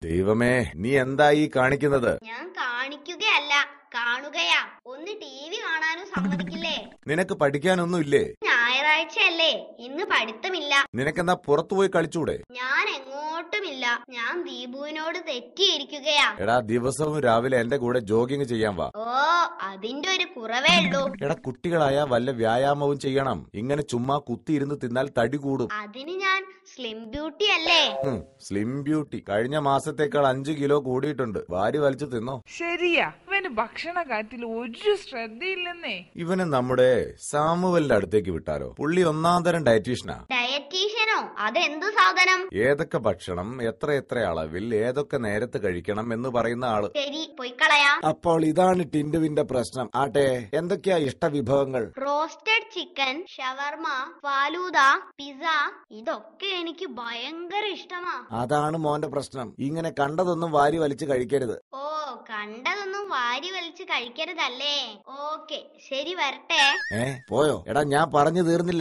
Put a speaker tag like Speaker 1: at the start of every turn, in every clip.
Speaker 1: ദൈവമേ, നീ എന്താ ഈ കാണിക്കുന്നത്?
Speaker 2: ഞാൻ കാണിക്കുകയല്ല, കാണുകയാ. ഒന്ന് TV കാണാനും സമ്മതിക്കില്ലേ?
Speaker 1: നിനക്ക് പഠിക്കാനൊന്നും ഇല്ലേ?
Speaker 2: ഞായറാഴ്ചയല്ലേ, ഇന്ന് പഠിത്തമില്ല.
Speaker 1: നിനക്കെന്നാ പുറത്തുപോയി കളിച്ചൂടെ?
Speaker 2: ഞാൻ എങ്ങോട്ടുമില്ല. ഞാൻ ദീപുവിനോട് തെറ്റിയിരിക്കുകയാ.
Speaker 1: എടാ, ദിവസവും രാവിലെ എന്റെ കൂടെ ജോഗിങ് ചെയ്യാൻ വാ.
Speaker 2: ഓ, അതിന്റെ ഒരു കുറവേ ഉള്ളൂ.
Speaker 1: എടാ, കുട്ടികളായ വല്ല വ്യായാമവും ചെയ്യണം. ഇങ്ങനെ ചുമ്മാ കുത്തിയിരുന്ന് തിന്നാൽ തടി കൂടും.
Speaker 2: അതിന് ഞാൻ സ്ലിം ബ്യൂട്ടി അല്ലേ?
Speaker 1: സ്ലിം ബ്യൂട്ടി കഴിഞ്ഞ മാസത്തേക്കാൾ 5 കിലോ കൂടിയിട്ടുണ്ട്. വാരി വലിച്ചു തിന്നോ?
Speaker 3: ശരിയാ, ഇവന് ഭക്ഷണ കാര്യത്തിൽ ഒരു ശ്രദ്ധയില്ലെന്നേ.
Speaker 1: ഇവന് നമ്മുടെ സാമുവലിന്റെ അടുത്തേക്ക് വിട്ടാലോ? പുള്ളി ഒന്നാം തരം ഡയറ്റീഷ്യനാ.
Speaker 2: ഡയറ്റീഷ്യനോ? അതെന്തു സാധനം?
Speaker 1: ഏതൊക്കെ ഭക്ഷണം എത്ര അളവിൽ ഏതൊക്കെ നേരത്ത് കഴിക്കണം എന്ന് പറയുന്ന ആള്.
Speaker 2: ശരി, പൊയ്ക്കളയാ.
Speaker 1: അപ്പോൾ ഇതാണ് ടിൻഡുവിന്റെ പ്രശ്നം. ആട്ടെ, എന്തൊക്കെയാ ഇഷ്ടവിഭവങ്ങൾ?
Speaker 2: Roasted chicken, shawarma, falooda, pizza, ഇതൊക്കെ എനിക്ക് ഭയങ്കര ഇഷ്ടമാ.
Speaker 1: അതാണ് മോന്റെ പ്രശ്നം. ഇങ്ങനെ കണ്ടതൊന്നും വാരി വലിച്ചു കഴിക്കരുത്.
Speaker 2: ഓ, കണ്ടതൊന്നും വാരി വലിച്ച് കഴിക്കരുതല്ലേ? ഓക്കെ, ശരി, വരട്ടെ.
Speaker 1: പോയോ? എടാ, ഞാൻ പറഞ്ഞു തീർന്നില്ല.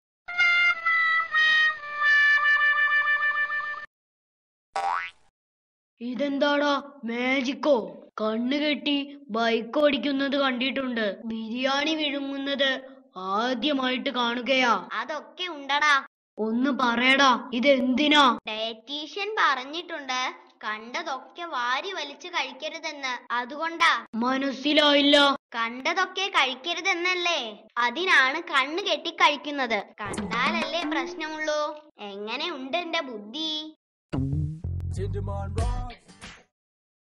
Speaker 4: ഇതെന്താടാ, മാജിക്കോ? കണ്ണു കെട്ടി ബൈക്ക് ഓടിക്കുന്നത് കണ്ടിട്ടുണ്ട്, ബിരിയാണി വിഴുങ്ങുന്നത് ആദ്യമായിട്ട് കാണുകയാ.
Speaker 2: അതൊക്കെ ഉണ്ടടാ.
Speaker 4: ഒന്ന് പറയടാ, ഇതെന്തിനാ?
Speaker 2: ഡയറ്റീഷ്യൻ പറഞ്ഞിട്ടുണ്ട് കണ്ടതൊക്കെ വാരി വലിച്ചു കഴിക്കരുതെന്ന്. അതുകൊണ്ടാ.
Speaker 4: മനസ്സിലായില്ല.
Speaker 2: കണ്ടതൊക്കെ കഴിക്കരുതെന്നല്ലേ? അതിനാണ് കണ്ണ് കെട്ടി കഴിക്കുന്നത്. കണ്ടാലല്ലേ പ്രശ്നമുള്ളൂ. എങ്ങനെ ഉണ്ട് എന്റെ ബുദ്ധി?